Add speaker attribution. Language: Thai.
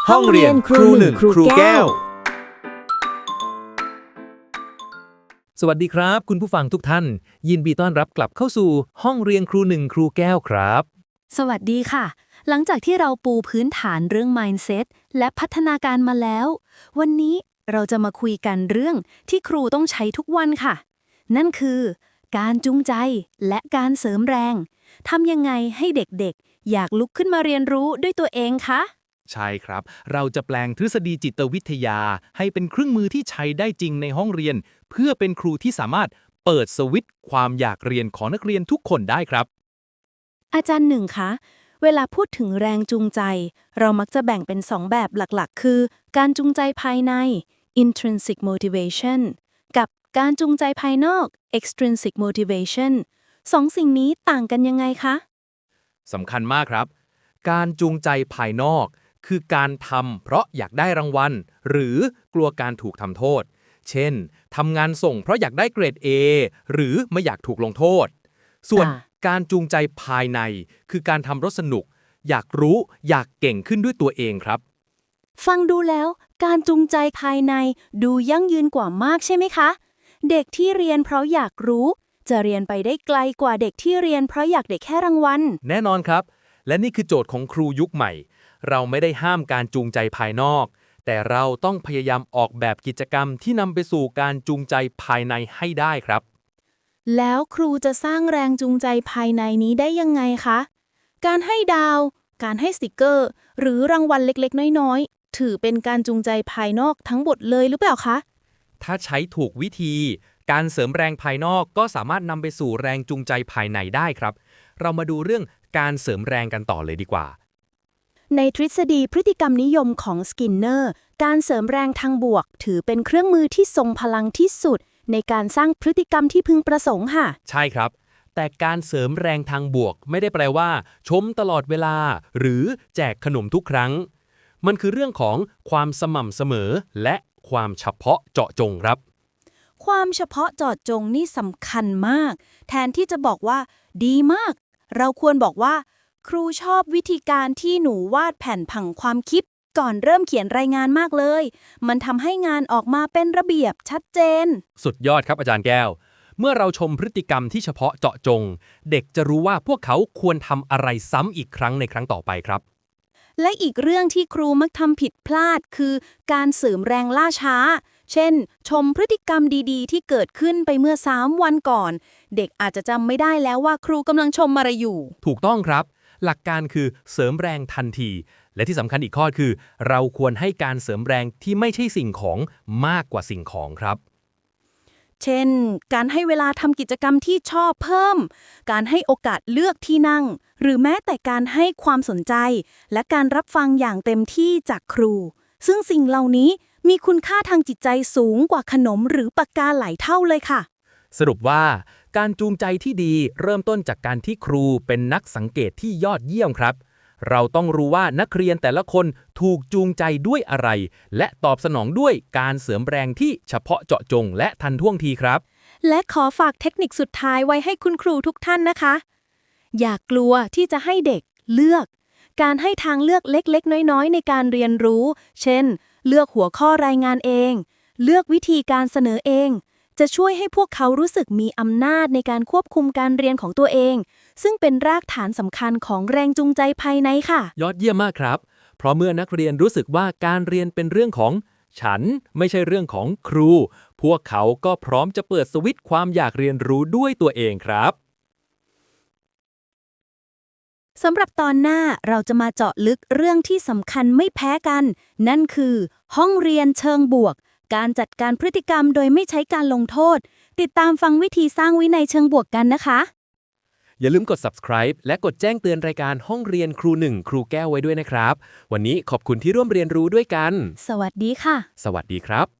Speaker 1: ห้องเรียนครูหนึ่งครูแก้ว
Speaker 2: สวัสดีครับคุณผู้ฟังทุกท่านยินดีต้อนรับกลับเข้าสู่ห้องเรียนครูหนึ่งครูแก้วครับ
Speaker 1: สวัสดีค่ะหลังจากที่เราปูพื้นฐานเรื่อง mindset และพัฒนาการมาแล้ว วันนี้เราจะมาคุยกันเรื่องที่ครูต้องใช้ทุกวันค่ะ นั่นคือการจูงใจและการเสริมแรงทำยังไงให้เด็กๆอยากลุกขึ้นมาเรียนรู้ด้วยตัวเองคะ
Speaker 2: ใช่ครับเราจะแปลงทฤษฎีจิตวิทยาให้เป็นเครื่องมือที่ใช้ได้จริงในห้องเรียน เพื่อเป็นครูที่สามารถเปิดสวิตช์ความอยากเรียนของนักเรียนทุกคนได้ครับ
Speaker 1: อาจารย์หนึ่งคะเวลาพูดถึงแรงจูงใจเรามักจะแบ่งเป็น2แบบหลักๆคือการจูงใจภายใน intrinsic motivation กับการจูงใจภายนอก extrinsic motivation 2 สิ่งนี้ต่างกันยังไงคะ
Speaker 2: สำคัญมากครับการจูงใจภายนอกคือการทำเพราะอยากได้รางวัลหรือกลัวการถูกทำโทษเช่นทำงานส่งเพราะอยากได้เกรด A หรือไม่อยากถูกลงโทษส่วนการจูงใจภายในคือการทำรสนุกอยากรู้อยากเก่งขึ้นด้วยตัวเองครับ
Speaker 1: ฟังดูแล้วการจูงใจภายในดูยั่งยืนกว่ามากใช่ไหมคะเด็กที่เรียนเพราะอยากรู้จะเรียนไปได้ไกลกว่าเด็กที่เรียนเพราะอยากได้แค่รางวัล
Speaker 2: แน่นอนครับและนี่คือโจทย์ของครูยุคใหม่เราไม่ได้ห้ามการจูงใจภายนอกแต่เราต้องพยายามออกแบบกิจกรรมที่นำไปสู่การจูงใจภายในให้ได้ครับ
Speaker 1: แล้วครูจะสร้างแรงจูงใจภายในนี้ได้ยังไงคะการให้ดาวการให้สติกเกอร์หรือรางวัลเล็กๆน้อยๆถือเป็นการจูงใจภายนอกทั้งหมดเลยหรือเปล่าคะ
Speaker 2: ถ้าใช้ถูกวิธีการเสริมแรงภายนอกก็สามารถนำไปสู่แรงจูงใจภายในได้ครับเรามาดูเรื่องการเสริมแรงกันต่อเลยดีกว่า
Speaker 1: ในทฤษฎีพฤติกรรมนิยมของสกินเนอร์การเสริมแรงทางบวกถือเป็นเครื่องมือที่ทรงพลังที่สุดในการสร้างพฤติกรรมที่พึงประสงค์ค่ะ
Speaker 2: ใช่ครับแต่การเสริมแรงทางบวกไม่ได้แปลว่าชมตลอดเวลาหรือแจกขนมทุกครั้งมันคือเรื่องของความสม่ำเสมอและความเฉพาะเจาะจงครับ
Speaker 1: ความเฉพาะเจาะจงนี่สำคัญมากแทนที่จะบอกว่าดีมากเราควรบอกว่าครูชอบวิธีการที่หนูวาดแผ่นผังความคิดก่อนเริ่มเขียนรายงานมากเลยมันทำให้งานออกมาเป็นระเบียบชัดเจน
Speaker 2: สุดยอดครับอาจารย์แก้วเมื่อเราชมพฤติกรรมที่เฉพาะเจาะจงเด็กจะรู้ว่าพวกเขาควรทำอะไรซ้ำอีกครั้งในครั้งต่อไปครับ
Speaker 1: และอีกเรื่องที่ครูมักทำผิดพลาดคือการเสริมแรงล่าช้าเช่นชมพฤติกรรมดีๆที่เกิดขึ้นไปเมื่อ3 วันก่อนเด็กอาจจะจำไม่ได้แล้วว่าครูกำลังชมอะไรอยู่
Speaker 2: ถูกต้องครับหลักการคือเสริมแรงทันทีและที่สำคัญอีกข้อคือเราควรให้การเสริมแรงที่ไม่ใช่สิ่งของมากกว่าสิ่งของครับ
Speaker 1: เช่นการให้เวลาทำกิจกรรมที่ชอบเพิ่มการให้โอกาสเลือกที่นั่งหรือแม้แต่การให้ความสนใจและการรับฟังอย่างเต็มที่จากครูซึ่งสิ่งเหล่านี้มีคุณค่าทางจิตใจสูงกว่าขนมหรือปากกาหลายเท่าเลยค่ะ
Speaker 2: สรุปว่าการจูงใจที่ดีเริ่มต้นจากการที่ครูเป็นนักสังเกตที่ยอดเยี่ยมครับเราต้องรู้ว่านักเรียนแต่ละคนถูกจูงใจด้วยอะไรและตอบสนองด้วยการเสริมแรงที่เฉพาะเจาะจงและทันท่วงทีครับ
Speaker 1: และขอฝากเทคนิคสุดท้ายไว้ให้คุณครูทุกท่านนะคะอย่ากลัวที่จะให้เด็กเลือกการให้ทางเลือกเล็กๆน้อยๆในการเรียนรู้เช่นเลือกหัวข้อรายงานเองเลือกวิธีการเสนอเองจะช่วยให้พวกเขารู้สึกมีอำนาจในการควบคุมการเรียนของตัวเองซึ่งเป็นรากฐานสำคัญของแรงจูงใจภายในค่ะ
Speaker 2: ยอดเยี่ยมมากครับเพราะเมื่อนักเรียนรู้สึกว่าการเรียนเป็นเรื่องของฉันไม่ใช่เรื่องของครูพวกเขาก็พร้อมจะเปิดสวิตช์ความอยากเรียนรู้ด้วยตัวเองครับ
Speaker 1: สำหรับตอนหน้าเราจะมาเจาะลึกเรื่องที่สำคัญไม่แพ้กันนั่นคือห้องเรียนเชิงบวกการจัดการพฤติกรรมโดยไม่ใช้การลงโทษติดตามฟังวิธีสร้างวินัยเชิงบวกกันนะคะ
Speaker 2: อย่าลืมกด subscribe และกดแจ้งเตือนรายการห้องเรียนครูหนึ่งครูแก้วไว้ด้วยนะครับวันนี้ขอบคุณที่ร่วมเรียนรู้ด้วยกัน
Speaker 1: สวัสดีค่ะ
Speaker 2: สวัสดีครับ